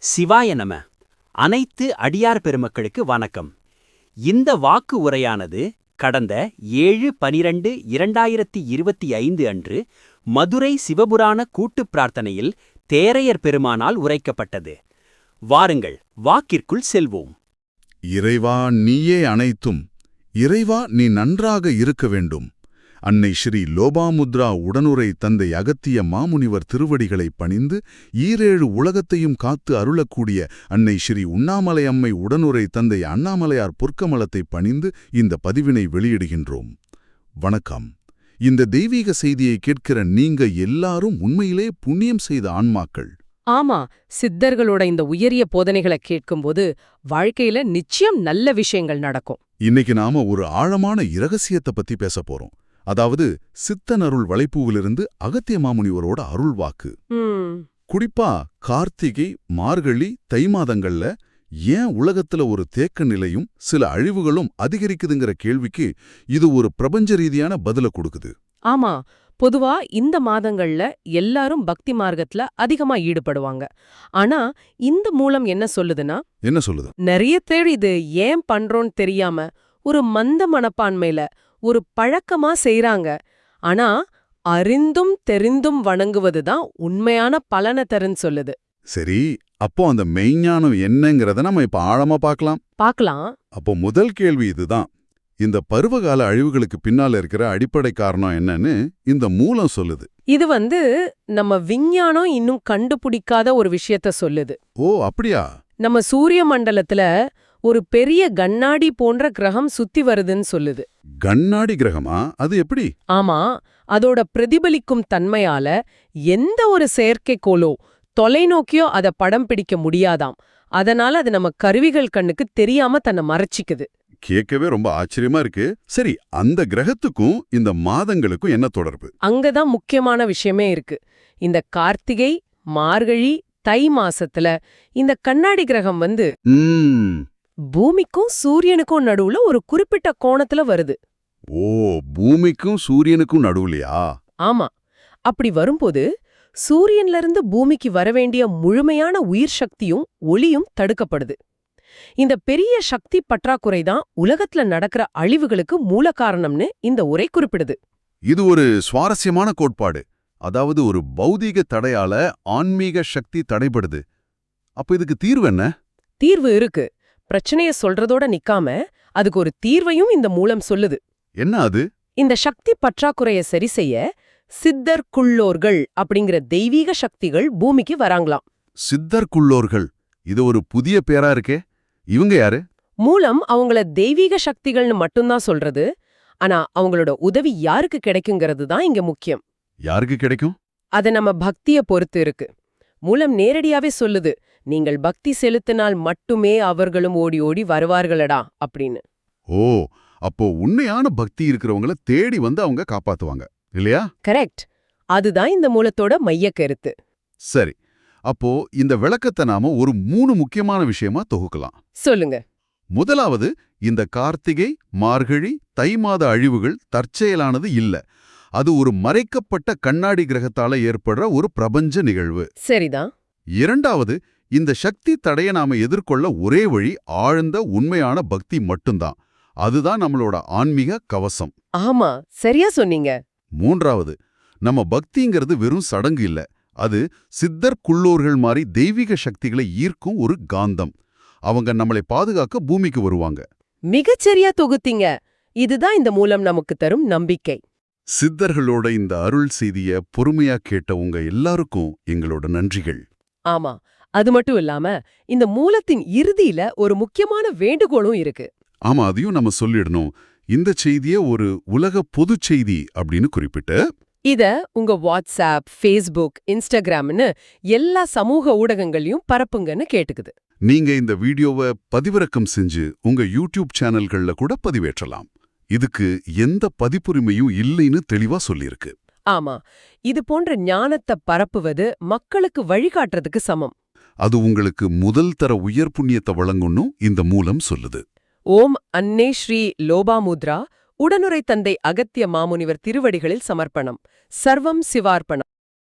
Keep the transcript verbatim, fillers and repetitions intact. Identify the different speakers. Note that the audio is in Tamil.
Speaker 1: சிவாய நம. அனைத்து அடியார் பெருமக்களுக்கு வணக்கம். இந்த வாக்கு உரையானது கடந்த ஏழு பனிரெண்டு இரண்டாயிரத்தி இருபத்தி ஐந்து அன்று மதுரை சிவபுராண கூட்டுப் பிரார்த்தனையில் தேரையர் பெருமானால் உரைக்கப்பட்டது. வாருங்கள், வாக்கிற்குள் செல்வோம்.
Speaker 2: இறைவா, நீயே அனைத்தும். இறைவா, நீ நன்றாக இருக்க வேண்டும். அன்னை ஸ்ரீ லோபாமுத்ரா உடனுரை தந்தை அகத்திய மாமுனிவர் திருவடிகளை பணிந்து ஈரேழு உலகத்தையும் காத்து அருளக்கூடிய அன்னை ஸ்ரீ உண்ணாமலை அம்மை உடனுரை தந்தை அண்ணாமலையார் பொற்கமலத்தை பணிந்து இந்த பதிவினை வெளியிடுகின்றோம். வணக்கம். இந்த தெய்வீக செய்தியை கேட்கிற நீங்க எல்லாரும் உண்மையிலே புண்ணியம் செய்த ஆன்மாக்கள்.
Speaker 3: ஆமா, சித்தர்களோட இந்த உயரிய போதனைகளை கேட்கும்போது வாழ்க்கையில நிச்சயம் நல்ல விஷயங்கள் நடக்கும்.
Speaker 2: இன்னைக்கு நாம ஒரு ஆழமான இரகசியத்தை பத்தி பேச போறோம். அதாவது சித்தன் அருள் வளைப்பூவிலிருந்து அகத்திய மாமுனிவரோட அருள் வாக்கு. குறிப்பா கார்த்திகை, மார்கழி, தை மாதங்கள்ல ஏன் உலகத்துல ஒரு தேக்க நிலையும் சில அழிவுகளும் அதிகரிக்குதுங்கிற கேள்விக்கு இது ஒரு பிரபஞ்ச ரீதியான பதில கொடுக்குது.
Speaker 3: ஆமா, பொதுவா இந்த மாதங்கள்ல எல்லாரும் பக்தி மார்க்கத்துல அதிகமா ஈடுபடுவாங்க. ஆனா இந்த மூலம் என்ன சொல்லுதுன்னா,
Speaker 2: என்ன சொல்லுது?
Speaker 3: நிறைய பேர் இது ஏன் பண்றோன்னு தெரியாம ஒரு மந்த மனப்பான்மையில ஒரு பழக்கமா செய்றாங்க. ஆனா அறிந்தும் தெரிந்தும் வணங்குவதுதான் உண்மையான பலனை தருன்னு சொல்லுது.
Speaker 2: சரி, அப்போ அந்த மெய்ஞானம் என்னங்கிறத நம்ம இப்ப ஆழமா பார்க்கலாம்.
Speaker 3: பார்க்கலாம்.
Speaker 2: அப்போ முதல் கேள்வி இதுதான். இந்த பருவகால அழிவுகளுக்கு பின்னால இருக்கிற அடிப்படை காரணம் என்னன்னு இந்த மூலம் சொல்லுது.
Speaker 3: இது வந்து நம்ம விஞ்ஞானம் இன்னும் கண்டுபிடிக்காத ஒரு விஷயத்த சொல்லுது.
Speaker 2: ஓ, அப்படியா? நம்ம
Speaker 3: சூரிய மண்டலத்துல ஒரு பெரிய கண்ணாடி போன்ற கிரகம் சுத்தி வருதுன்னு சொல்லுது.
Speaker 2: கண்ணாடி கிரகமா? அது எப்படி?
Speaker 3: ஆமா, அதோட பிரதிபலிக்கும் தன்மையால எந்த ஒரு செயற்கைக்கோளோ தொலைநோக்கியோ அத படம் பிடிக்க முடியாதாம். அதனால அது நம்ம கருவிகள் கண்ணுக்கு தெரியாம தன்னை மறைச்சிக்குது.
Speaker 2: கேட்கவே ரொம்ப ஆச்சரியமா இருக்கு. சரி, அந்த கிரகத்துக்கும் இந்த மாதங்களுக்கும் என்ன தொடர்பு?
Speaker 3: அங்கதான் முக்கியமான விஷயமே இருக்கு. இந்த கார்த்திகை, மார்கழி, தை மாசத்துல இந்த கண்ணாடி கிரகம் வந்து பூமிக்கும் சூரியனுக்கும் நடுவுல ஒரு குறிப்பிட்ட கோணத்துல வருது.
Speaker 2: ஓ, பூமிக்கும் சூரியனுக்கும் நடுவுலையா?
Speaker 3: ஆமா. அப்படி வரும்போது சூரியன்ல இருந்து பூமிக்கு வரவேண்டிய முழுமையான உயிர் சக்தியும் ஒளியும் தடுக்கப்படுது. இந்த பெரிய சக்தி பற்றாக்குறைதான் உலகத்துல நடக்கிற அழிவுகளுக்கு மூல காரணம்னு இந்த உரை குறிப்பிடுது.
Speaker 2: இது ஒரு சுவாரஸ்யமான கோட்பாடு. அதாவது ஒரு பௌதீக தடையால ஆன்மீக சக்தி தடைபடுது. அப்ப இதுக்கு தீர்வு என்ன?
Speaker 3: தீர்வு இருக்கு. பிரச்சனைய சொல்றதோட நிக்காம அதுக்கு ஒரு தீர்வையும் இந்த மூலம் சொல்லுது.
Speaker 2: என்ன அது?
Speaker 3: இந்த சக்தி பற்றாக்குறைய சரி செய்ய சித்தர்க்குள்ளோர்கள் அப்படிங்கிற தெய்வீக சக்திகள் பூமிக்கு வராங்களாம்.
Speaker 2: சித்தர்க்குள்ளோர்கள், இது ஒரு புதிய பேரா இருக்கே. இவங்க யாரு?
Speaker 3: மூலம் அவங்கள தெய்வீக சக்திகள்னு மட்டும்தான் சொல்றது. ஆனா அவங்களோட உதவி யாருக்கு கிடைக்குங்கிறது தான் இங்க முக்கியம்.
Speaker 2: யாருக்கு கிடைக்கும்?
Speaker 3: அத நம்ம பக்திய பொறுத்து இருக்கு. மூலம் நேரடியாவே சொல்லுது, நீங்கள் பக்தி செலுத்தினால் மட்டுமே அவர்களும் ஓடி ஓடி வருவார்களடா அப்படின்னு.
Speaker 2: ஓ, அப்போ உண்மையான பக்தி இருக்கிறவங்கள தேடி வந்து அவங்க காப்பாத்துவாங்க, இல்லையா?
Speaker 3: கரெக்ட். அதுதான் இந்த மூலத்தோட மைய கருத்து.
Speaker 2: சரி, அப்போ இந்த விளக்கத்தை நாம ஒரு மூணு முக்கியமான விஷயமா தொகுக்கலாம்.
Speaker 3: சொல்லுங்க.
Speaker 2: முதலாவது, இந்த கார்த்திகை, மார்கழி, தை மாத அழிவுகள் தற்செயலானது இல்ல. அது ஒரு மறைக்கப்பட்ட கண்ணாடி கிரகத்தால ஏற்படுற ஒரு பிரபஞ்ச நிகழ்வு.
Speaker 3: சரிதான்.
Speaker 2: இரண்டாவது, இந்த சக்தி தடைய நாம எதிர்கொள்ள ஒரே வழி ஆழ்ந்த உண்மையான பக்தி மட்டும்தான். அதுதான் நம்மளோட ஆன்மீக கவசம்.
Speaker 3: ஆமா, சரியா சொன்னீங்க.
Speaker 2: மூன்றாவது, நம்ம பக்திங்கிறது வெறும் சடங்கு இல்ல. அது சித்தர் குள்ளோர்கள் மாதிரி தெய்வீக சக்திகளை ஈர்க்கும் ஒரு காந்தம். அவங்க நம்மளை பாதுகாக்க பூமிக்கு வருவாங்க.
Speaker 3: மிகச்சரியா தொகுத்தீங்க. இதுதான் இந்த மூலம் நமக்கு தரும் நம்பிக்கை.
Speaker 2: சித்தர்களோட இந்த அருள் செய்திய பொறுமையா கேட்ட உங்க எல்லாருக்கும் எங்களோட நன்றிகள்.
Speaker 3: ஆமா, அது மட்டும் இல்லாம இந்த மூலத்தின் இறுதியில ஒரு முக்கியமான வேண்டுகோளும் இருக்கு.
Speaker 2: ஆமா, அதையும் நம்ம சொல்லிடணும். இந்த செய்திய ஒரு உலக பொது செய்தி அப்படின்னு குறிப்பிட்டு
Speaker 3: இத உங்க வாட்ஸ்அப், ஃபேஸ்புக், இன்ஸ்டாகிராம்னு எல்லா சமூக ஊடகங்களையும் பரப்புங்கன்னு கேட்டுக்குது.
Speaker 2: நீங்க இந்த வீடியோவை பதிவிறக்கம் செஞ்சு உங்க யூடியூப் சேனல்கள்ல கூட பதிவேற்றலாம். இதுக்கு எந்த பதிப்புரிமையும் இல்லைன்னு தெளிவா சொல்லியிருக்கு.
Speaker 3: ஆமா, இது போன்ற ஞானத்தை பரப்புவது மக்களுக்கு வழிகாட்டுறதுக்கு சமம்.
Speaker 2: அது உங்களுக்கு முதல் தர உயர் புண்ணியத்தை வழங்கும்னு இந்த மூலம் சொல்லுது.
Speaker 3: ஓம் அன்னை ஸ்ரீ லோபாமுத்ரா உடனுரை தந்தை அகத்திய மாமுனிவர் திருவடிகளில் சமர்ப்பணம். சர்வம் சிவார்ப்பணம்.